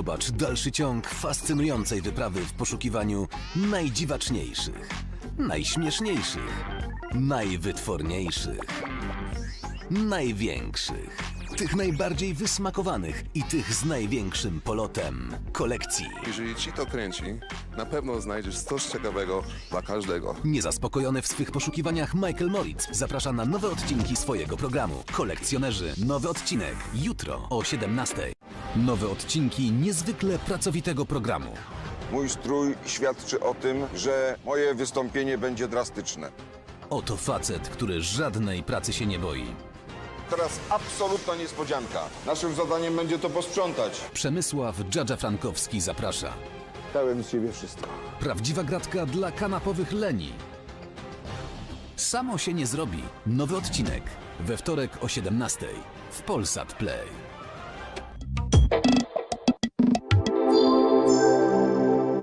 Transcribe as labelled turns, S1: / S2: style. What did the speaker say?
S1: Zobacz dalszy ciąg fascynującej wyprawy w poszukiwaniu najdziwaczniejszych, najśmieszniejszych, najwytworniejszych, największych, tych najbardziej wysmakowanych i tych z największym polotem kolekcji.
S2: Jeżeli ci to kręci, na pewno znajdziesz coś ciekawego dla każdego.
S1: Niezaspokojony w swych poszukiwaniach Michael Moritz zaprasza na nowe odcinki swojego programu. Kolekcjonerzy. Nowy odcinek jutro o 17:00. Nowe odcinki niezwykle pracowitego programu.
S3: Mój strój świadczy o tym, że moje wystąpienie będzie drastyczne.
S1: Oto facet, który żadnej pracy się nie boi.
S3: Teraz absolutna niespodzianka. Naszym zadaniem będzie to posprzątać.
S1: Przemysław Dżadża Frankowski zaprasza.
S3: Dałem z siebie wszystko.
S1: Prawdziwa gratka dla kanapowych leni. Samo się nie zrobi. Nowy odcinek we wtorek o 17:00 w Polsat Play.